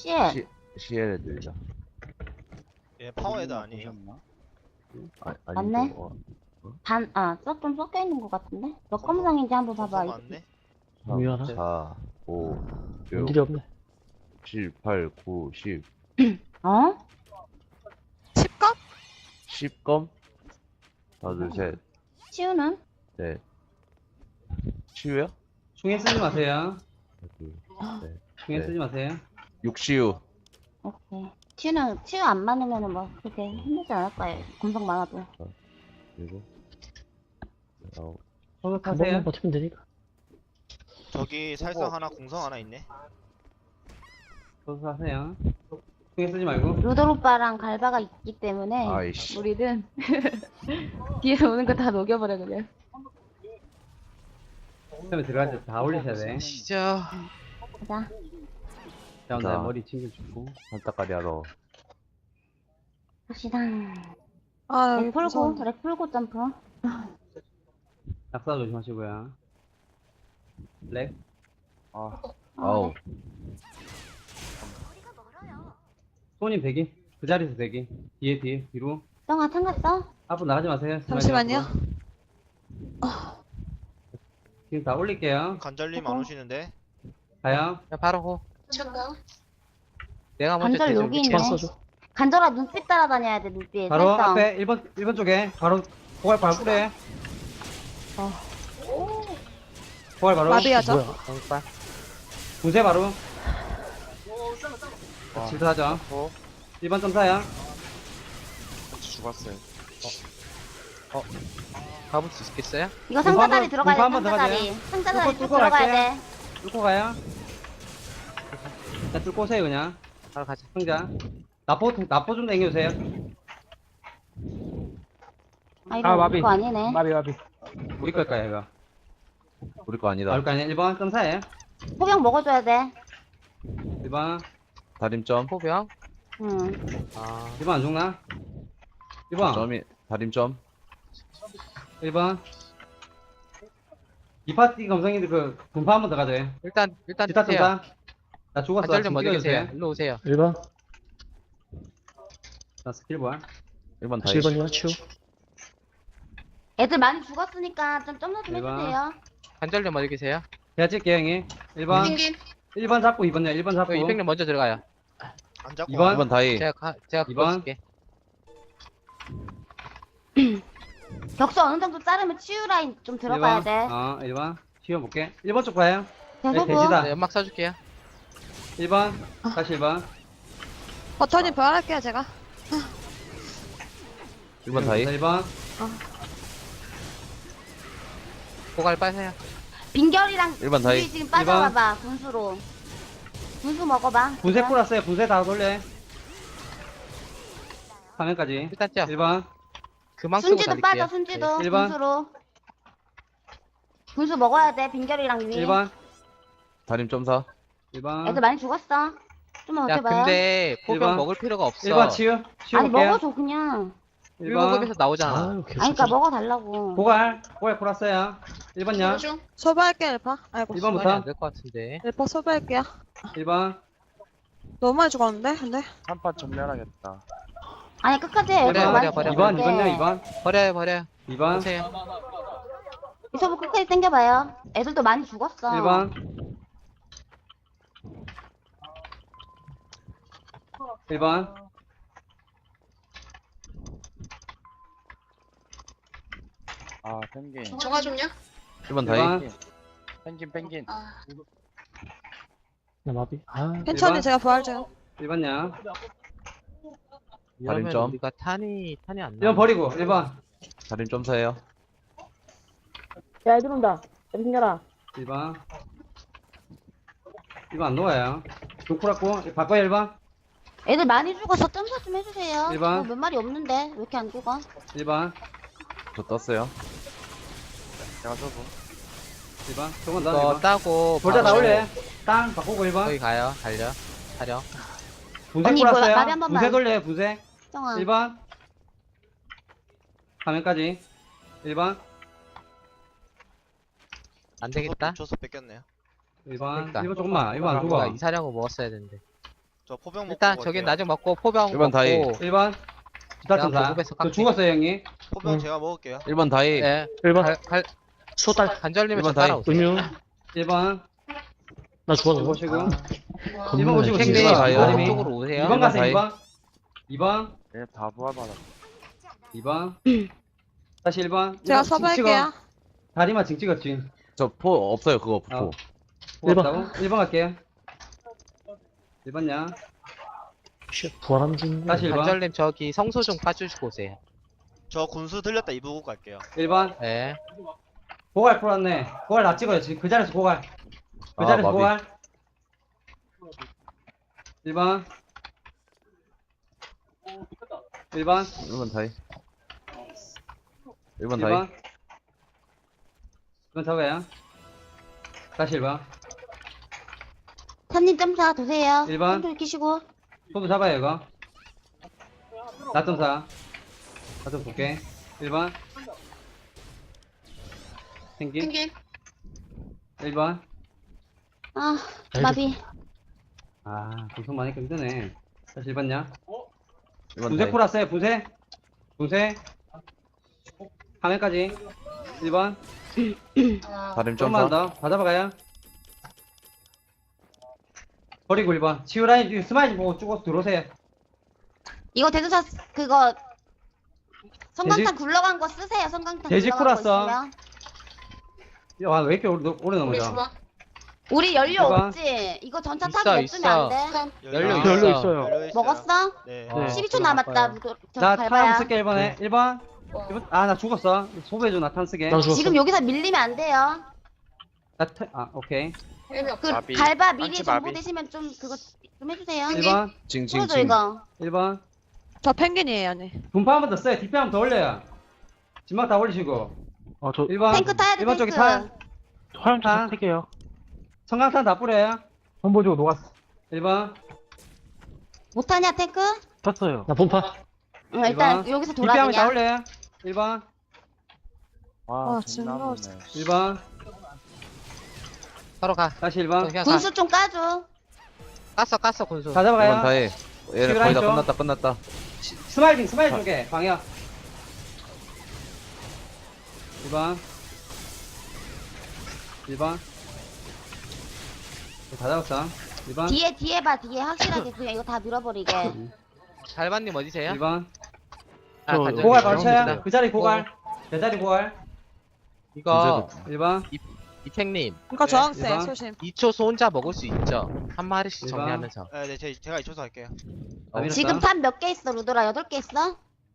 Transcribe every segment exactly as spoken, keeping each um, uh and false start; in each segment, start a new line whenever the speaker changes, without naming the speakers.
씨엘.
시, 시엘 애들이다.
얘 파워헤드 아니에요?
아,
맞네.
아니죠.
반, 아, 썩좀 섞여 있는 것 같은데? 몇 검상인지 한번 봐봐.
검사 맞네?
미안하.
사, 오,
원딜이
육,
없네.
칠, 팔, 구, 십.
어?
십 컵?
십 검? 하나, 둘, 셋,
치우는?
넷. 치유야?
충에 쓰지 마세요.
하나, 둘, 셋.
충에
네.
쓰지 마세요.
육시유.
오케이. 치우는, 치우 안 많으면은 뭐, 그렇게 힘들지 않을 거예요. 검상 많아도.
그리고 아홉.
서서
한
타세요.
번만 버티면 되니까.
저기 살상 하나 공성 하나 있네.
서서 타세요. 충에 쓰지 말고.
루돌 오빠랑 갈바가 있기 때문에
아이씨.
우리는 뒤에서 오는 거 다 녹여버려 그냥.
처음에 들어갈 때 다 올리셔야 돼.
시죠.
가자.
가운데
자.
머리 챙겨주고.
한따까리 하러.
갑시다.
아,
렉 풀고,
무서운데.
렉 풀고 점프.
낙사 조심하시고요. 렉.
아,
어,
아우.
손님 대기. 그 자리에서 대기. 뒤에 뒤에 뒤로.
쩡아 탄 갔어?
앞으로 나가지 마세요.
잠시만요.
앞으로. 지금 다 올릴게요.
관절님 안 오시는데?
가요.
야, 바로 고.
잠깐.
내가 먼저
관절
대죠.
여기
위치
있네.
만 써줘.
간절아 눈빛 따라다녀야 돼 눈빛.
바로
살성.
앞에 일 번 일 번 쪽에 바로 포괄 바로 뿌려. 포괄 바로.
마비하죠.
뭐야?
정빨.
분쇄 바로.
어.
질투하죠.
어.
일 번 점사야.
죽었어요. 어. 어. 가볼 수 있겠어요?
이거
공부
상자다리
한번-
들어가야 돼.
공부 한번
상자다리. 상자다리
뚫고-
쭉
뚫고
들어가야
갈게요.
돼.
뚫고 가요. 자, 뚫고 오세요 그냥.
바로 가자.
상자. 나포 나포 좀 당겨주세요.
아 이거
아,
우리
마비.
거 아니네.
마비 마비.
우리 걸까요 이거?
우리 거 아니다.
나올 거 아니야? 일 번 점사해.
포병 먹어줘야 돼.
일 번.
다림점.
포병.
응.
아.
일 번 안 죽나? 일 번.
점이, 다림점.
일 번. 이 파티 검성이들 그 분파 한 번 더 가져요.
일단 일단
기타
드세요.
점사. 나 죽었어.
관절님
지금
어디 계세요?
뛰어주세요.
일로 오세요.
일 번.
나 스킬 보아.
일 번 다이.
칠 번이야 치우.
애들 많이 죽었으니까 좀 점수 좀
대박.
해주세요.
관절님 어디 계세요?
제가 찍게요 형이. 일 번. 일 번 잡고 이 번요. 일 번 잡고.
그 이백님 먼저 들어가요.
안 잡고
이 번.
와요?
일 번 다이.
제가 가, 제가
이
그거
번.
쓸게.
격수 어느 정도 자르면 치유 라인 좀 들어가야
일 번.
돼.
어, 일 번. 치워볼게. 일 번 쪽 봐요.
계속
네, 돼지다.
네, 연막 써줄게요.
일 번. 다시 일 번.
버터님 부활할게요, 제가.
일 번 다이.
일 번.
고갈 빠세요.
빈결이랑
일 번 다이.
우리 지금 빠져봐봐 분수로. 분수 먹어봐.
분쇄 뿌렸어요. 분쇄 다 돌려. 화면까지.
일단 쪄.
일 번.
그만 쓰고
순지도
달릴게요.
빠져 순지도
네, 일 번.
분수로. 분수 먹어야 돼 빈결이랑 유미.
일 번.
다림 점사.
일 번.
애들 많이 죽었어. 좀만
야,
버텨봐요.
근데
일 번.
포병 먹을 필요가 없어.
일 번 치유.
아니
치워볼게요.
먹어줘 그냥.
일 번.
일 급에서 나오잖아.
아유 계속.
아니 그니까 먹어달라고.
고갈. 고갈 풀었어요. 일 번요.
소비할게요, 일파. 아이고.
일 번부터.
시간이 안될 것 같은데.
일파 소비할게요.
일 번.
너무 많이 죽었는데, 근데.
한판 전멸하겠다.
아니 끝까지 해.
버려,
애들 많이
버려, 버려.
이 번. 이
죽었는데.
번요. 이 번.
버려요, 버려요.
이 번.
보세요.
이소부 끝까지 당겨봐요. 애들도 많이 죽었어.
일 번. 일 번.
아, 펭귄.
정화 좀요?
일 번
일
다이.
번.
펭귄, 펭귄.
아,
나 마비. 아
괜찮이
번.
제가 부활 중.
일 번요.
이러면
다림점.
우리가 탄이 탄이 안
일
나.
번 버리고. 일 번.
다림 점사예요.
야, 애들 온다. 애들 생겨라.
일 번. 일 번 안 녹아요. 독쿠라고. 바꿔요 일 번.
애들 많이 죽어서 점사 좀 해주세요.
일 번.
어, 몇 마리 없는데 왜 이렇게 안 죽어?
일 번.
저 떴어요.
내가 저거.
일 번. 조금 더. 일
이거
번.
따고
돌자
바로
나올래. 땅 바꾸고 일 번.
거기 가요. 달려. 타령.
분쇄
언니, 이거
뿌렸어요.
나비 한 번만.
분쇄 돌려요. 분쇄.
정아.
일 번. 화면까지. 일 번.
안 되겠다.
줘서 뺏겼네요.
일 번.
그러니까.
일 번 조금만. 일 번 안
우리가
죽어.
이사령을 먹었어야 되는데.
저 포병 먹고
일단 저긴
갈게요.
나중 먹고 포병
일 번
먹고
다이.
일 번. 주타점사.
내가 보급에서
저
깎게.
죽었어요, 형님.
포병
응.
제가 먹을게요.
일 번 다이.
예.
일 번
갈, 갈,
소달
간절님은 저
일 번 다이.
따라오세요.
음유
일 번.
나 죽었어.
보시고. 일 번
겁나
보시고
진짜.
팽님
일 번 다이요.
아님이.
쪽으로 오세요.
이 번
일 번
가세요,
다이.
이 번. 이 번.
얘 다 부활받아.
이 번. 다시 일 번.
제가
일 번 징
섭외할게요.
찍어. 다리만 징 찍었지.
저 포 없어요 그거 부포.
어.
일 번.
없다고? 일 번 갈게요. 일 번냐?
쉣, 부활하는 중.
다시 일 번.
간절님 저기 성소 좀 까주시고 오세요.
저 군수 들렸다 이부국 갈게요.
일 번.
예.
고갈 풀었네. 고갈 다 찍어요. 지금 그 자리에서 고갈. 그
아,
자리에서
마비.
고갈. 일 번. 일 번.
일 번 다이. 일 번
일
다이.
번. 일 번 잡아요. 다시 일 번.
탄님 점사 도세요.
일 번.
손들 끼시고.
손도 잡아요, 이거. 나점사. 나좀 볼게. 일 번. 생긴.
펭귄.
일 번.
아, 마비.
아, 구성 많이 힘드네. 다시 일 번냐?
일 번
분쇄
다이.
풀었어요, 분쇄. 분쇄. 화면까지. 일 번.
다림
조금만
점사.
더. 다 잡아가요. 버리고 일 번. 치유라인, 스마일 보고 쭉 들어오세요.
이거 대두사 그거 성강탄
돼지-
굴러간 거 쓰세요. 성강탄
돼지
굴러간 거
풀었어.
있으면.
야, 왜 이렇게 오래, 오래 넘어져?
우리 연료
해봐.
없지? 이거 전차
있어,
타고 냅두면 안 돼?
연료
아,
있어.
연료 있어요.
연료 있어요.
먹었어?
네.
네.
십이 초 남았다. 무도- 저
나 탄
밟아야.
쓸게, 일 번에. 일 번. 일 번. 아, 나 죽었어. 소배줘, 나 탄 쓰게.
나 죽었어.
지금 여기서 밀리면 안 돼요.
나 태, 아, 오케이.
그
마비.
밟아 미리
한치
정보
마비.
되시면 좀 그거 좀 해주세요.
일 번.
징징
풀어줘
징.
이거.
일 번.
저 펭귄이에요, 언니.
분파 한 번 더 써요. 뒷배 한 번 더 올려요. 진막 다 올리시고.
아, 저
일 번.
탱크 타야 돼
일 번
탱크.
쪽에 탄.
화염
아.
좀 택해요.
성강탄 다 뿌려요.
선보 주고 녹았어.
일 번.
못하냐 탱크?
탔어요. 나 본파.
응, 일단
일 번.
여기서
뒷배 한 번 다
돌아 그냥.
올려요. 일 번.
와,
아,
존나
진짜.
아프네.
일 번.
서로 가.
다시 일 번.
그냥 가.
군수 좀 까줘.
깠어 깠어 군수.
다
일 번
잡아가요.
다이. 얘네
치유라인
거의 다
쪽.
끝났다 끝났다.
시- 스마일링, 스마일 쪽에 방역. 일 번. 일 번. 다 잡았어. 일 번.
뒤에 뒤에 봐 뒤에 확실하게 그냥 이거 다 밀어버리게.
달반님 어디세요?
일 번.
아,
저-
간절님.
고갈 바로 쳐요.
감사합니다.
그 자리 고갈. 그 자리 고갈.
이거
일 번.
이택님
그러니까
네,
저항세,
일 번.
소심.
이 초소 혼자 먹을 수 있죠? 한 마리씩
일 번.
정리하면서.
네, 네, 제, 제가 이초서 할게요.
다 밀었어.
지금 탄 몇 개 있어 루돌아? 여덟 개 있어?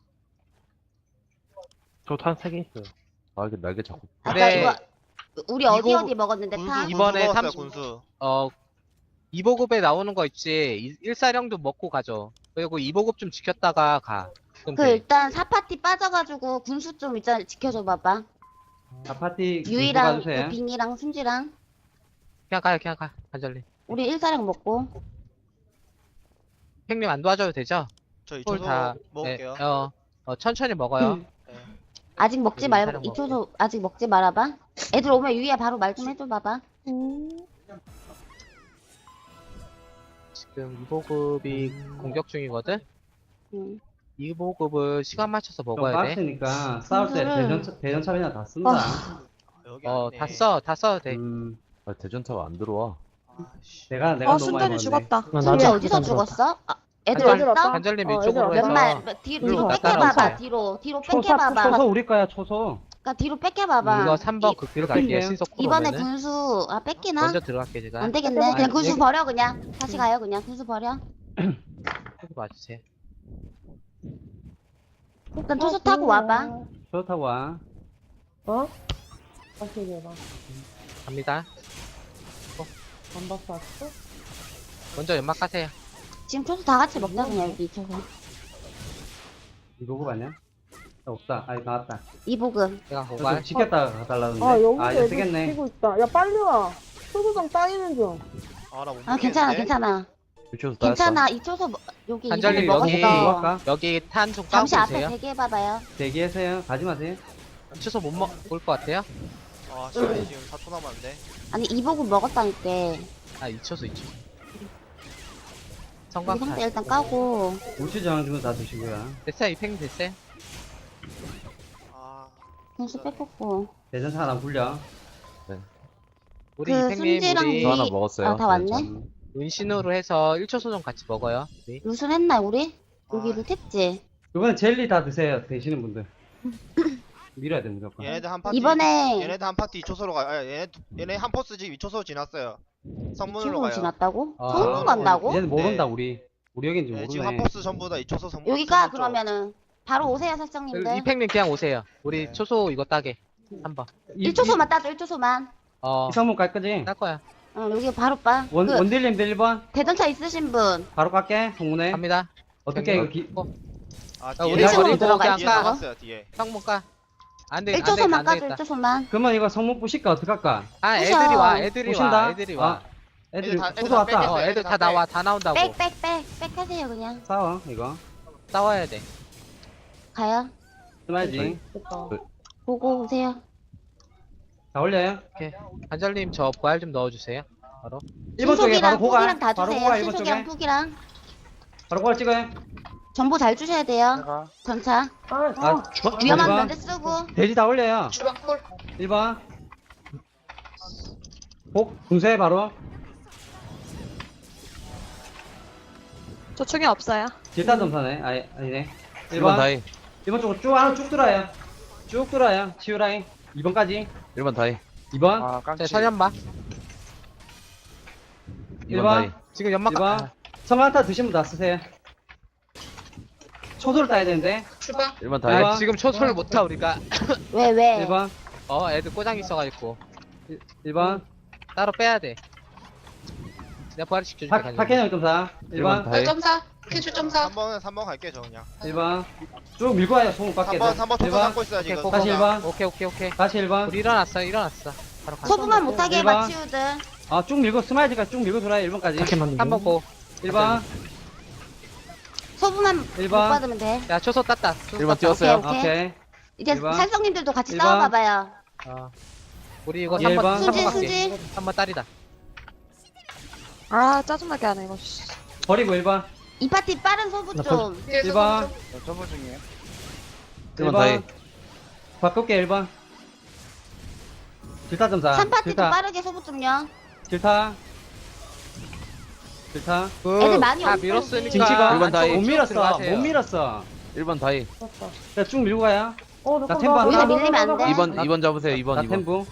저탄 세 개 있어요.
아 이게 날개 자꾸.
아까
네.
이거 우리 어디
이거-
어디 먹었는데
군수,
탄?
군수
이번에
먹었어요,
삼십
군수.
어 이보급에 나오는 거 있지. 이- 일사령도 먹고 가죠. 그리고 이보급 좀 지켰다가 가. 그럼
그
돼.
일단 사파티 빠져가지고 군수 좀 일단 지켜줘 봐봐.
아파티
유이랑
가주세요.
그 빙이랑 순지랑
그냥 가요 그냥 가. 간절님.
우리 일사랑 먹고.
형님 안 도와줘도 되죠?
저
홀
이초서
다.
먹을게요.
네, 어, 어 천천히 먹어요.
아직 먹지
우리
말고
일사랑
이초소 아직 먹지 말아봐. 애들 오면 유이야 바로 말 좀 해줘 봐봐.
지금 이보급이 공격 중이거든.
응.
이보급을 시간 맞춰서
좀
먹어야 돼.
빡세니까 싸울 때
군수를-
대전 대전차이나 다 쓴다.
여기
어,
안에.
다 써, 다 써도 돼.
음,
아, 대전차가 안 들어와.
내가 내가
어,
너무 많이
순전히
먹었네.
죽었다.
나
순지
나도
어디서
일단 들어왔다.
죽었어? 아, 애들
아니,
애들
왔어?
왔다.
간절님
어,
이쪽으로
얘들아,
해서.
몇 말, 뒤로, 뒤로
일로
뺏겨봐봐.
따라오세요.
뒤로, 뒤로
초소
뺏겨봐봐.
초소 우리 거야 초소.
그니까 뒤로 뺏겨봐봐.
이거 삼 번
이-
극딜 갈게요.
뺄게요.
신속
이번에
코로면은.
군수, 아, 뺏기나?
먼저 들어갈게 제가.
안 되겠네.
뺏겨봐.
그냥 군수
여기-
버려, 그냥. 다시 가요, 그냥. 군수 버려.
여기 봐주세요.
일단 투수 타고 와봐.
초소 타고 와.
어? 다시 얘기해봐.
갑니다.
안 봤어, 아직도?
먼저 연막 가세요.
지금 투수 다 같이 먹자, 그냥, 여기 투수.
이거 아니야? 아, 없다. 아 나왔다.
제가
이보금.
이거 좀
고갈.
지켰다가 가달라는데.
아, 여기서
아 이제
애들
쓰겠네.
뛰고 있다. 야, 빨리 와. 소소정 따이는 중.
아, 나못
아, 괜찮아, 괜찮아.
유치원에서 따였어.
괜찮아. 이 투수 먹- 여기
간절님,
이보금
여기-
이거
먹었어.
할까?
여기 탄 좀 까고
잠시 앞에
오세요.
대기해봐봐요.
대기하세요. 가지 마세요.
추소 못 먹을 것 같아요?
아, 시간이 지금 사 초 남았는데.
아니, 이보금 먹었다니까.
아, 이 초소, 이 초소.
우리 상대
성광탄.
일단 까고.
우측 저항 주면 다 드시고요.
됐어요, 이팽님 됐어요.
아
분수 뺏겼고.
대전사 하나 굴려.
우리
그
이팽님
순지랑
우리
저 하나 먹었어요.
아, 다 왔네?
음.
은신으로 해서 일 초 소정 같이 먹어요. 우리.
루슨 했나, 우리? 여기
아.
루탭지?
이번에 젤리 다 드세요. 되시는 분들. 밀어야 돼 무조건.
얘네들 한 파티
이번에
얘네들 한 파티 이 초소로 가 아, 얘네 얘네 한 포스 지금 이 초소 지났어요. 성문으로
친구로
가요.
지났다고?
아.
성문 간다고?
얘는 모른다
네.
우리. 우리 여긴 좀
네, 지금 한
모르네.
포스 전부 다 이 초소 성문.
여기가
성문 쪽.
그러면은 바로 오세요, 설정님들.
이팽님 그냥 오세요. 우리
네.
초소 이거 따게. 한번.
이-
일 초소만 따줘, 일 초소만.
어,
이 성문 깔 거지?
딸 거야.
응, 여기 바로 빠.
원,
그
원딜님들 일 번
대전차 있으신 분.
바로 깔게 성문에.
갑니다.
어떻게 이거 기,
어,
아,
아,
뒤에
우리
일 초소로
버리고
들어가,
그냥
뒤에
일 초소.
까.
나갔어요 뒤에.
성문 까. 안 돼,
일
안 되겠다,
초소만
안
까줘,
되겠다.
일 초소만.
그러면 이거 성문 부실까 어떡할까?
아,
부셔.
애들이 와, 애들이
부신다?
와, 애들이 와.
아, 애들
애들 다- 애들
소소
다
왔다.
뺏겼어.
어, 애들
애들
다
다
나와, 다 나온다고.
백, 백, 백, 백 하세요, 그냥.
싸워 이거.
싸워야 돼.
가요.
스마일지.
보고 오세요.
다 올려요.
관절님 저 부활 좀 넣어주세요. 바로.
일 번 쪽에 바로
신속이랑
고갈.
푹이랑 다
바로
주세요.
고갈 일 번
신속이랑
쪽에.
푹이랑.
바로 고갈 찍어요.
정보 잘 주셔야 돼요.
내가
전차.
아,
위험한
일 번.
면제 쓰고.
돼지 다 올려요. 일 번. 복 분쇄 바로.
저 충이 없어요.
질타 점사네. 아니, 아니네.
일 번 다이.
일 번 쪽으로 쭉 안으로 쭉 들어요. 쭉 들어요. 치유 라인. 이 번까지.
일 번 다이.
이 번.
아
제
깡치.
설현봐.
이
일
번
번.
다이.
지금 연막
일 번. 성한타 드시면 다 쓰세요. 초소를 따야 되는데.
일 번
일
다이.
번.
아, 지금 초소를 못타 우리가.
왜, 왜?
일 번.
어, 애들 꼬장 있어가지고
일 번.
따로 빼야 돼. 내가 부활 시켜줄게.
파,
관절님.
파케는 점사. 일
일 번
번.
다이.
삼 번은 삼 번 갈게 저 그냥.
일 번. 쭉 밀고 와요. 소문 밖에.
삼 번 삼 번
일
초소
번.
잡고 있어야
오케이,
지금.
고,
다시
고.
일 번.
오케이, 오케이, 오케이.
다시 일 번.
우리 일어났어, 일어났어. 바로 가.
소부만 못하게
일 번.
맞치우들.
아, 쭉 밀고, 스마일즈까지 쭉 밀고 돌아요. 일 번까지.
한 번 고.
일 번.
소부만 못
일 번.
받으면 돼.
야, 초소 땄다. 초소
일 번
땄다.
뛰었어요.
오케이.
오케이.
이제
일 번.
살성님들도 같이
일 번.
싸워봐봐요.
어. 우리 이거
일
삼 번,
번.
삼 번
순지,
갈게.
순지.
삼 번 딸이다.
아, 짜증나게 하네, 이거. 씨.
버리고 일 번.
이 파티 빠른 소부 좀.
일 번.
저 전부 중이에요.
일 번 다이.
바꿀게, 일 번. 질타 점사.
삼 파티도
질타.
빠르게 소부 좀요.
질타. 질타.
애들 많이
다
없어,
밀었으니까.
징치가.
일 번 다이.
못 밀었어.
들어가세요.
못 밀었어.
일 번 다이.
자, 쭉 밀고 가요.
어,
나
나
템po 안
여기서
나.
밀리면 안 돼.
이 번
나-
이 번 잡으세요. 이 번
나
이 번.
템부.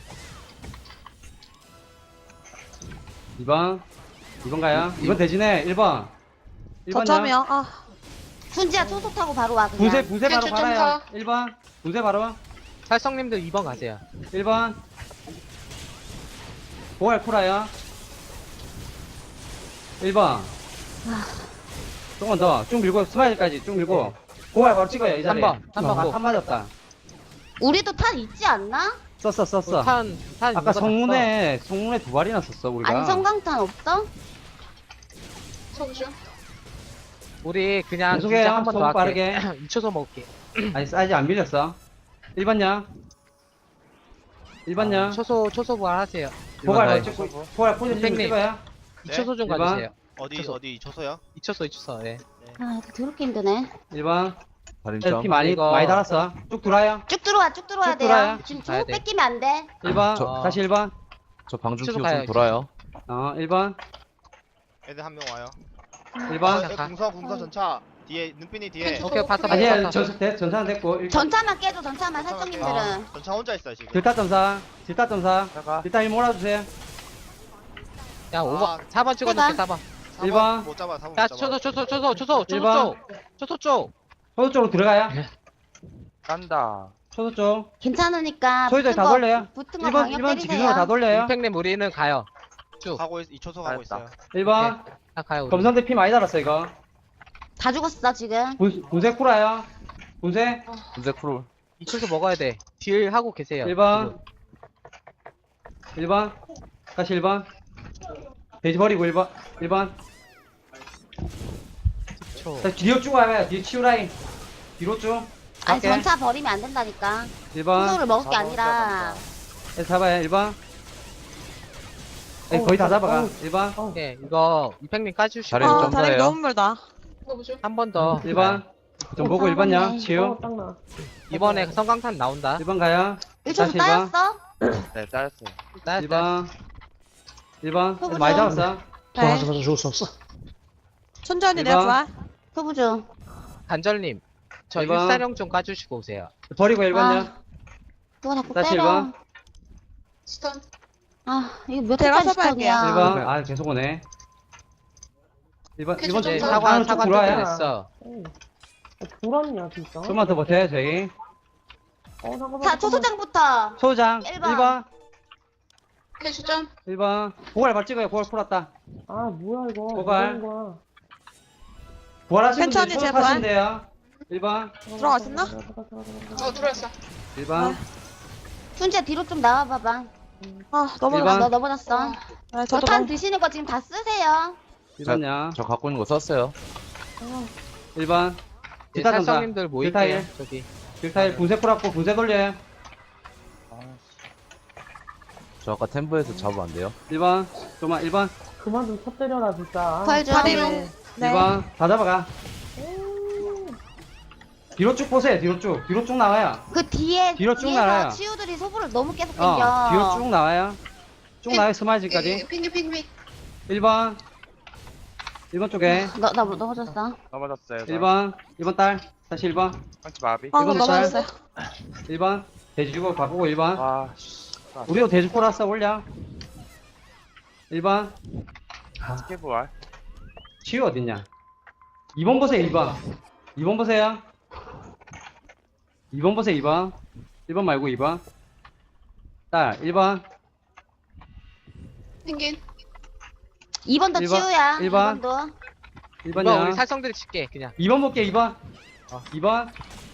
이 번. 이 번 가요. 이 번 대신에 일 번. 일 번요.
저점이요. 아,
순지야 초소 타고 바로 와 그냥.
분쇄, 분쇄 바로 갈아요. 일 번. 분쇄 바로.
살성님들 이 번 가세요.
일 번. 보알 코라요. 일 번. 조금 더. 쭉 밀고, 스마일까지 쭉 밀고. 보알 바로 찍어요, 이 자리.
삼 번, 삼 번
아,
고.
한 맞았다.
우리도 탄 있지 않나?
썼어, 썼어.
탄, 탄.
아까
이거
성문에, 성문에 두 발이나 썼어, 우리가.
안성강탄 없어?
땄어. 우리 그냥
계속해요.
진짜 한 번 더
소부
할게.
빠르게.
이 초소 먹을게.
아니, 사이즈 안 밀렸어. 일 번요. 일 번요.
초소, 초소 부활 하세요.
일 번
보알
다이.
바로 찍고, 보알 포지션 좀
땡님.
찍어요.
이
네?
초소 좀
일 번.
가주세요.
어디
초소.
어디 초소요?
이 초소, 이 초소. 네.
아 이거 더럽게 힘드네.
일 번.
다림점.
피 많이,
이거-
많이 달았어. 쭉 돌아요.
쭉 들어와 쭉 들어와야
쭉
돼요.
들어와요.
지금
가야
쭉
돼.
뺏기면 안 돼.
일 번.
저-
다시 일 번.
저 방중
치고
키고
가요,
좀 돌아요.
어, 일 번.
애들 한 명 와요.
일
아,
번.
애 궁서 궁서 전차 뒤에 눈빛이 뒤에.
오케이, 바타,
아니,
바타.
전, 대- 전차는 됐고. 일 번.
전차만 깨줘 전차만 살성님들은.
아, 전차 혼자 있어요 지금.
질타 점사. 질타 점사.
내가
질타 일 몰아주세요.
야, 오 번.
아,
사 번 찍어놓게, 사 번.
일 번.
못 잡아 사 번.
야,
못 잡아.
초소, 초소, 초소, 초소,
일
초소
번.
쪽. 초소 쪽.
소도 쪽으로 들어가요.
깐다.
소도 쪽.
괜찮으니까.
소유자
붙은
다
거-
돌려요.
붙은 거
일 번,
강력
일 번
때리세요.
지키는 거 다 돌려요.
임팩님 우리는 가요. 쭉.
가고 있, 이 초소 가고
알았다.
있어요.
일 번.
다 가요. 우리.
검선대 피 많이 달았어, 이거.
다 죽었어 지금.
분, 분쇄 쿠라요. 분쇄.
분쇄 크롤.
이 초소 먹어야 돼. 딜 하고 계세요.
일 번. 일 번. 다시 일 번. 돼지 버리고 일 번. 일 번.
초.
자, 뒤로 쭉 와봐요. 뒤에 치우 라인. 뒤로 쭉.
아니
갈게.
전차 버리면 안 된다니까.
일 번.
초소를 먹을 게
사 번,
아니라.
네, 잡아요. 일 번. 네, 거의 다 잡아가. 일 번.
예, 이거 이팽님 까주시고
자리
아,
좀
다리
더해요.
너무 멀다.
한 번 더.
일 번. 좀 보고 일 번요. 치유.
어, 딱 나.
이번에 성광탄 나온다.
일 번 가요.
일 초
다시 일 번.
따였어?
네, 따였어요.
따-
일 번. 일 번.
소부정.
많이 잡았어.
네.
죽을 수 없어.
천천히
일
내가
번.
부활.
소부중.
간절님, 저
일 번.
일사령 좀 까주시고 오세요.
버리고 일 번요.
아, 누가 자꾸
다시 일
때려.
번.
아, 이거 몇
제가
회까지
서발게요.
스턴이야.
일 번. 아, 계속 오네. 일 번. 일 번
이제
좀
사과
안으로 쭉
사과
들어와요.
뜯어냈어.
불안이야, 진짜.
좀만 더 버텨요, 저희.
어, 잠깐만.
자, 초소장부터.
소장
일
일
번.
번.
해수점.
일 번. 고갈 발 찍어요. 고갈 풀었다.
아, 뭐야, 이거.
고갈.
뭐 하는 거야.
부활하시는 분들
천천히
초록하시면
제발.
돼요. 일 번.
들어가셨나?
들어가, 들어가, 들어가, 들어가.
어, 들어왔어.
일 번.
순재 뒤로 좀 나와봐봐.
아, 너무
일
아,
번.
너 넘어졌어.
네, 저도
저탄
너무.
드시는 거 지금 다 쓰세요.
일 번요.
저 갖고 있는 거 썼어요.
일 번.
이제
기타 전사.
살성님들 모일게요.
딜타일.
저기.
딜타일 분쇄 풀었고 분쇄 돌려요.
저 아까 템브에서 잡으면 안 돼요?
일 번. 좀만 일 번.
그만 좀 터뜨려라, 진짜.
부활 좀.
다리로.
일
네.
번. 다 잡아가. 뒤로 쭉 보세요. 뒤로 쭉. 뒤로 쭉 나와요.
그 뒤에
뒤로 쭉
뒤에서
나와요.
치유들이 소부를 너무 계속
어.
당겨.
뒤로 쭉 나와요. 쭉 나와요. 스마일즈까지.
핑계 핑계.
일 번. 일 번 쪽에.
너, 나 넘어졌어.
넘어졌어요.
일 번. 일 번 딸. 다시 일 번.
한치 마비.
아,
이건
넘어졌어요.
일 번. 돼지 주고 바꾸고 일 번.
아, 씨.
우리도 돼지 풀었어. 올려. 일 번.
스케부활.
치유 어딨냐? 이 번 보세요. 이 번. 이 번 보세요. 이 번 보세요. 이 번. 일 번 말고 이 번. 딸. 일 번.
핑계.
이 번도
일 번,
치유야.
일
이
번.
번도.
일
이번
번이요.
우리 살성들이 칠게 그냥.
이 번 볼게요. 이 번. 이 번.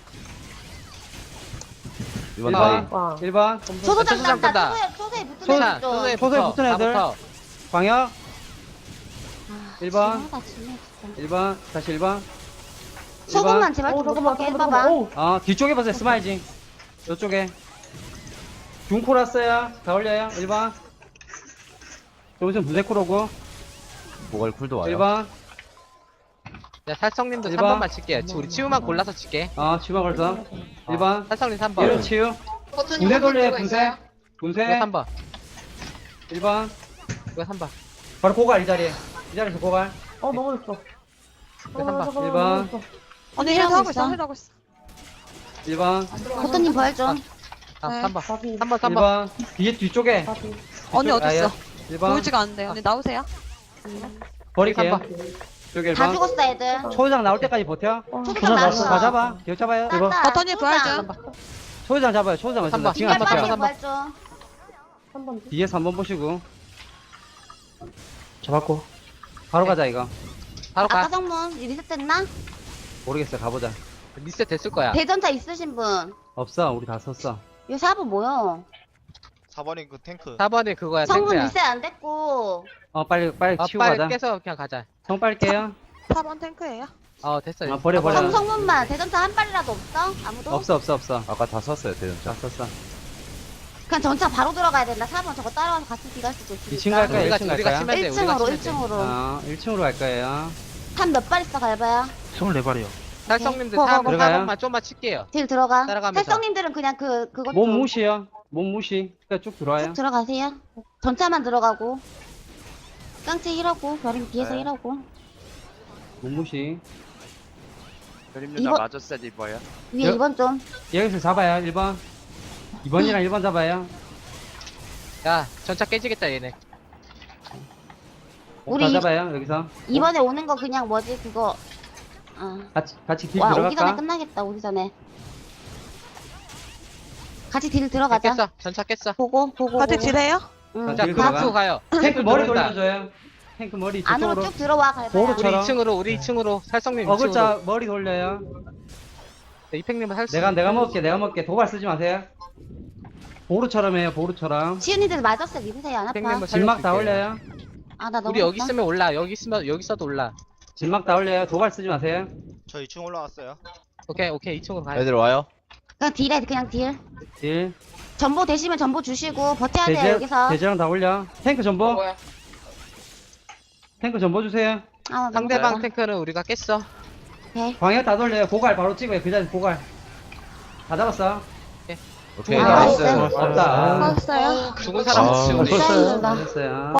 이번
일
나이.
번.
와.
일 번.
초소장
초소장
딴다.
끈다.
초소에, 초소에 붙은
소자,
애들 좀.
소자에
소자에
붙어.
붙은 애들.
다 붙어.
광역.
아,
일 번.
심하다, 심해, 진짜.
일 번. 다시 일 번.
소금만 제발
어,
좀
잠깐만,
못먹게
잠깐만,
해봐봐.
잠깐만.
어, 뒤쪽에 보세요. 스마일징. 이쪽에. 중코 났어요. 다 올려요. 일 번. 조금 분쇄코 오고.
모갈 쿨도 와요.
일 번.
야, 살성님도
일
삼
번.
번만 칠게요. 지- 우리 치우만 골라서 칠게.
어, 치마 걸서. 일 번.
살성님 삼
일
번.
번 치유. 분쇄 돌려요. 분쇄. 분쇄.
이거 삼 번.
일 번.
이거 삼 번.
바로 고갈 이 자리에. 이 자리에서 고갈.
어, 넘어졌어.
한 번.
잠깐만,
일 번.
넘어졌어.
언니
힐하고
힐도 하고
있어.
있어. 힐도 하고 있어.
일 번.
버터님 부활 좀.
아,
네.
삼 번.
바비,
삼 번, 삼
일
번.
번. 뒤에 뒤쪽에.
바비.
언니 어디 있어?
일 번.
보이지가 않는데. 언니 나오세요.
버릴게요.
삼
쪽에 일
다
번.
죽었어, 애들.
초장 나올 때까지 버텨.
초소장 나왔어.
다 잡아. 기억 잡아요. 일 번.
땄다.
버터님 부활 좀.
초장 잡아요. 초장
삼
있습니다.
번.
지금 안
빨리
삼 번,
버텨요.
삼 번.
부활 좀.
한 번.
뒤에 삼 번 보시고.
잡았고.
바로 가자 이거.
바로
아까
가.
성문 리셋됐나?
모르겠어요. 가보자.
리셋 됐을 거야.
대전차 있으신 분.
없어. 우리 다 썼어.
요 사부 뭐요?
사 번이 그 탱크.
사 번이 그거야,
성문
탱크야.
리셋 안 됐고.
어 빨리 빨리
아,
치우고
빨리
가자.
깨서 그냥 가자.
성 빨리 깨요.
사 번 탱크예요.
어, 됐어.
아 버려 버려.
성, 성문만 대전차 한 발이라도 없어? 아무도?
없어 없어 없어.
아까 다 썼어요, 대전차.
다 썼어.
그냥 전차 바로 들어가야 된다. 사 번 저거 따라와서 같이 뒤갈 수도 있으니까.
이 층 갈까요?
우리가,
일 층
우리가
갈까요?
치면 돼. 우리가
일 층으로
치면
일
돼.
층으로.
어, 일 층으로 갈 거예요.
탄 몇 발 있어 갈봐야.
스물네 발이요.
살성님들
네.
사 번, 사
들어가요?
번만 좀만 칠게요.
딜 들어가.
따라가면서.
살성님들은 그냥 그 그것
몸
좀
무시요. 몸 무시. 그러니까 쭉 들어와요.
쭉 들어가세요. 전차만 들어가고. 깡치 일하고 별임 뒤에서
네.
일하고.
몸 무시.
그림
이번-
누나 맞았어요, 이거요.
위에
여-
이 번 좀.
여기서 잡아요. 일 번. 이 번이랑 일 번 잡아요.
야, 전차 깨지겠다, 얘네.
우리
다 잡아요. 여기서.
이번에 오는 거 그냥 뭐지 그거. 아.
같이 같이 딜
와 오기 전에
들어갈까?
끝나겠다. 오기 전에. 같이 딜 들어가자.
깼어. 전차 깼어.
보고 보고.
같이
보고.
딜해요?
응.
자,
딜
그
들어가.
앞으로 가요.
탱크 머리
들어온다.
돌려줘요. 탱크 머리
안으로
저쪽으로.
쭉 들어와 갈봐야.
보호로
우리
처럼.
이 층으로, 우리 이 층으로. 살성님 이 층으로.
어글자 머리 돌려요.
네, 이팽님은 할 수.
내가 내가 먹을게. 내가 먹을게. 도발 쓰지 마세요. 보루처럼 해요. 보루처럼.
지은이들 맞았어. 믿으세요. 안 아파.
이팽님은
진막 다
살려줄게.
올려요.
아 나 너무.
우리 여기 있으면 올라. 여기 있으면 여기 있어도 올라.
진막 다 올려요. 도발 쓰지 마세요.
저 이 층 올라왔어요.
오케이, 오케이. 이 층으로 가요.
애들 와요?
그냥 딜해 그냥 딜.
딜.
전보 되시면 전보 주시고 버텨야 돼요
대제,
여기서.
대제랑 다 올려. 탱크 전보.
뭐야?
탱크 전보 주세요.
아,
상대방
너무
탱크는 우리가 깼어.
오케이.
광역 다 돌려요. 고갈 바로 찍어요. 그 자리 고갈. 다 잡았어.
오케이,
아,
나이스.
나이스.
없다.
맞았어요.
죽은 사람
아,
없이 우리.
사인다.
됐어요.